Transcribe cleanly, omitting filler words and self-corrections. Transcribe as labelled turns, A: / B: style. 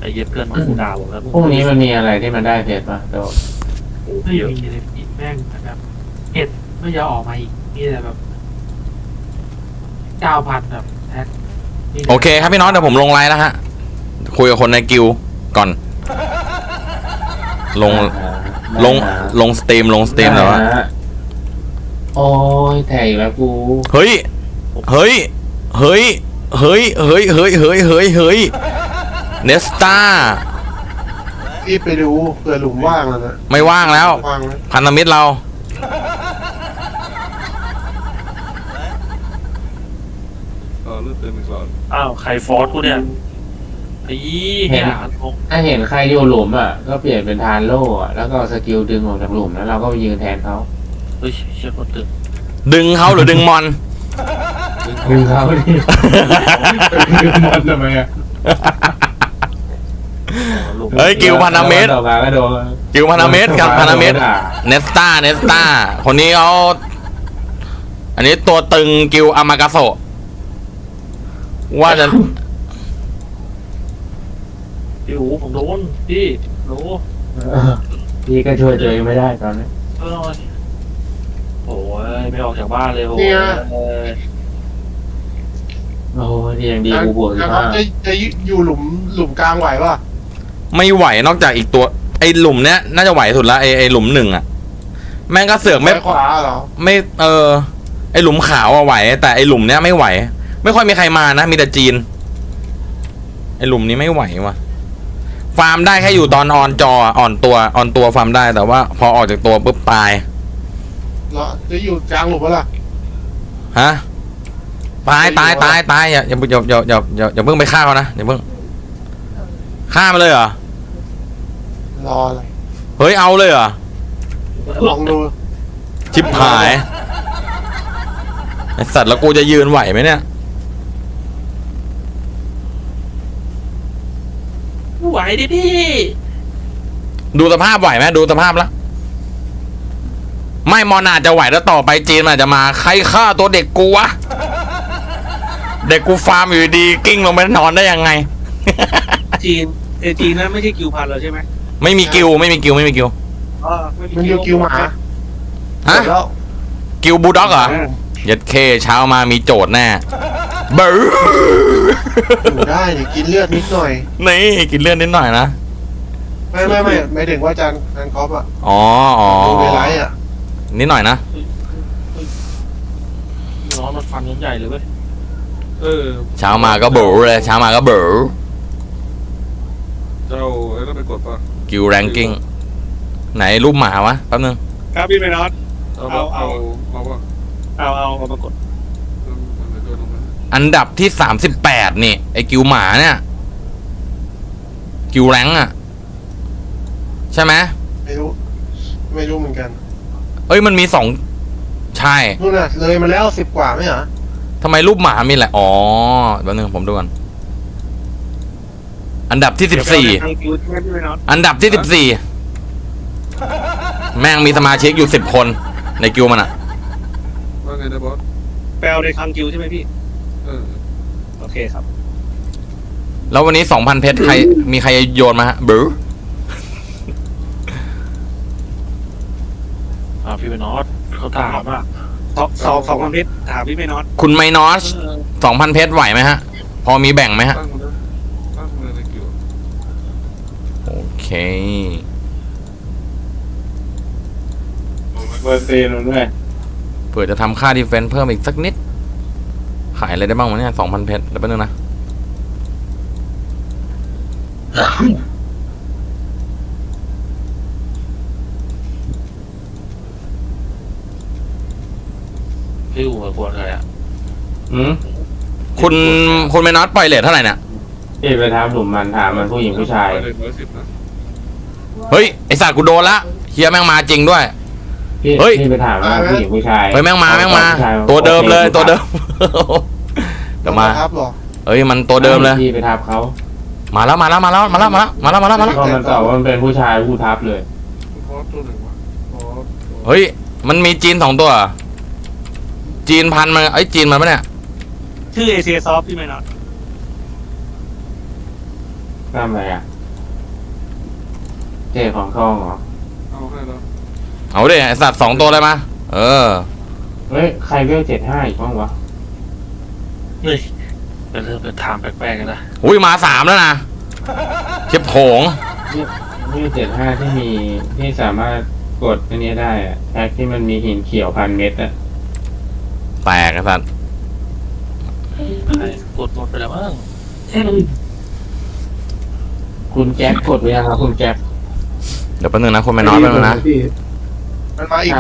A: ไอ้เย็บเพื่อนมาคูดาวแล้ว
B: พรุ่งนี้มันมีอะไรที่มันได้เพชรป่ะโด
C: ไม่มีเลยพี่แม่งแบบเห็ดไม่ยอมออกมาอีกนี่แต่แบบ9,000แบบแพ็ค
D: โอเคครับพี่น้องเดี๋ยวผมลงไลน์แล้วฮะคุยกับคนในกิลก่อนลงสตรีมแล้วอะ
B: โอ้ยแถอีกแล้วกู
D: เฮ้ยเนสตา
E: รีบไปดูเผื่อหลุมว่างแล้วนะ
D: ไม่ว่างแล้ว
E: ว่างไหม
D: พันธมิตรเรา
F: เลือดเต็มอีกแล้ว
A: อ้าวใครฟอสกูเนี่ยไอ้เหี้ยงง
B: ถ้าเห็นใครอยู่หลุมอ่ะก็เปลี่ยนเป็นทานโล่อ่ะแล้วก็สกิลดึงออกจากหลุมแล้วเราก็ไปยืนแทนเขา
A: เฮ้ยเชี่ยคนตึง
D: ดึงเขาหรือดึงมอน
B: ดึงเขาดิดึงมันทำไมอ่ะ
D: เฮ้ยกิลพันธมิตร
B: ต่อมาก็โดน
D: กิลพันธมิตรกับพันธมิตรเนสตาคนนี้เขาอันนี้ตัวตึงกิลอามากาโซว่าจะ
A: พี่หูผมโดนพี่โดน
B: พี่ก็ช่วยตัวเองไม่ได้ตอนนี้
A: โอ้ยไม่ออกจากบ้านเลยโอ้ย
B: โอ้ยนี่ยังดีกูบวก
E: แล้วจะอยู่หลุมกลางไหวป่ะ
D: ไม่ไหวนอกจากอีกตัวไอหลุมเนี้ยน่าจะไหวสุดละไอหลุมหนึ่งอะแม่งก็เสือกไม่
E: ขวาเหรอ
D: ไม่ไอหลุมขาวอะไหวแต่ไอหลุมเนี้ยไม่ไหว ไม่ค่อยมีใครมานะมีแต่จีนไอหลุมนี้ไม่ไหวว่ะฟาร์มได้แค่อยู่ตอนออนจออ่อนตัวฟาร์มได้แต่ว่าพอออกจากตัวปุ๊บตาย
E: แล้วจะอยู่กลางหลุมปะล่ะ
D: ฮะตายอย่าเพิ่งไปฆ่าเขานะอย่าเพิ่งฆ่ามันเลยเหรอ
E: รออะไร
D: เฮ้ยเอาเลยเหรอ
E: ลองดู
D: ชิบหายไอสัตว์แล้วกูจะยืนไหวไหมเนี่ย
A: ไหวดิพี่
D: ดูสภาพไหวไหมดูสภาพแล้วไม่มอนาจจะไหวแล้วต่อไปจีนมันอาจจะมาใครฆ่าตัวเด็กกูวะเด็กกูฟาร์มอยู่ดีกิ้งลงไปนอนได้ยังไง
C: จีนนั้นไม่ใช่กิวพันเราใช่ไหม
D: ไม่มีกิว
E: มันอยู่กิวหมา
D: ฮะ
E: แล้ว
D: กิวบูลด็อกเหรอเย็ดเคเช้ามามีโจทย์แน่เบอร์
E: อยู่ได้เนี่ยกินเลือดนิดหน่อย
D: นี่กินเลือดนิดหน่อยนะ
E: ไม่ไม่ถึงว่าจานคอปอ่ะ
D: อ๋อ
E: ดูเวไลท์อ่ะ
D: นิดหน่อยนะ
A: น้องมันฟันยังใหญ่เลยเว้ย
D: เช้ามาก็เบอร์เลยเช้ามาก็เบอร์
F: เจ้าไอ้นั่นไปกดป่ะ
D: กิวแรงกิ้งไหนรูปหมาวะแป๊บนึง
C: ครับพี่เมนอส
F: เอาป่ะ
C: เอามากด
F: มันจะโดนลงมา
D: อันดับที่38นี่ไอกิวหมาเนี่ยกิวแรงอะใช่ไหม
E: ไม่รู้เหมือนกัน
D: เอ้ยมันมี2ใช่
E: นู่นน่ะเลยมาแล้ว10 กว่าไม่เหรอ
D: ทำไมรูปหมามีแหละอ๋อแป๊บนึงผมดูก่อนอันดับที่14
C: ทางกิวใช่ไหมพี่เมนอส
D: อันดับที่14แม่งมีสมาชิกอยู่10 คนในกิวมันอะ
F: ว่าไงนะบอส
C: แปลในทางกิวใช่ไหมพี่ โอเคครับ
D: แล้ววันนี้ 2,000 เพชรใครมีใครโยนมาฮะบรู
A: พี่เป็นนอตเขาถามอ่ะ
C: สองพันเพชรถามพี่เมนอส
D: คุณไมนอส 2,000 เพชรไหวไหมฮะ พอมีแบ่งไหมฮะ
F: ตั้งเลยในกิว
D: โอเค
B: เบอร์ซีนมันด้วย
D: เผื่อจะทำค่าดีเฟนส์เพิ่มอีกสักนิด ขายอะไรได้บ้างวะเนี่ย 2,000 เพชรแล้วแป๊บนึงนะ
A: พี่หูกวนใครอ่ะ
D: คุณไมนอสปล่อยเลทเท่าไหร่เนี่ย
B: พี่ไปทำหลุมมันถามมันผู้หญิงผู้ชาย
F: ไปเลย110นะ
D: เฮ้ย ไอสัตว์กูโดนละเฮียแม่งมาจริงด้วย
B: พี่
D: เฮ้ย
B: พี่ไปถามว่าผู้หญิงผู้ชาย
D: เฮ้ยแม่งมา
B: ผู้ชาย
D: ตัวเดิมเลยตัวเดิม เดี๋ยวมา
E: ครับหรอ
D: เอ้ยมันตัวเดิมเลย
B: พี่ไปทับเขา
D: มาแล้ว
B: พอมันตอบว่ามันเป็นผู้ชายผู้ทับเลย
F: บอสตัวหนึ่งวะบอส
D: เฮ้ย มันมีจีน2 ตัวเหรอจีนพันมันไอ้ยจีนมันปะเนี่ย
C: ชื่อเอเชียซอฟพี่เมนอส
B: ทำอะไรอ่ะเจ๊ของทองเหรอ
F: เอาให้แล้ว
D: เอาดิไอสัตว์2ตัวเลยมาเออ
B: เฮ้ยใครเวล75อีกบ้างวะ
A: นี่เริ่มเป็นถามแปลกๆกันนะ
D: อุ้ยมา3แล้วนะเจ็บโผง
B: เวล75ที่มีที่สามารถกดอันนี้ได้อะแพ็คที่มันมีหินเขียว1,000 เม็ดอะ
D: แตกไอสัตว์
A: ใครกดหมดไปแล้วมั้ง
B: คุณแจ็คกดไว้ยังครับคุณแจ็ค
D: เดี๋ยวแป๊บนึงนะคนไม่น้อยแป๊บนึงนะ
E: มันมาอีก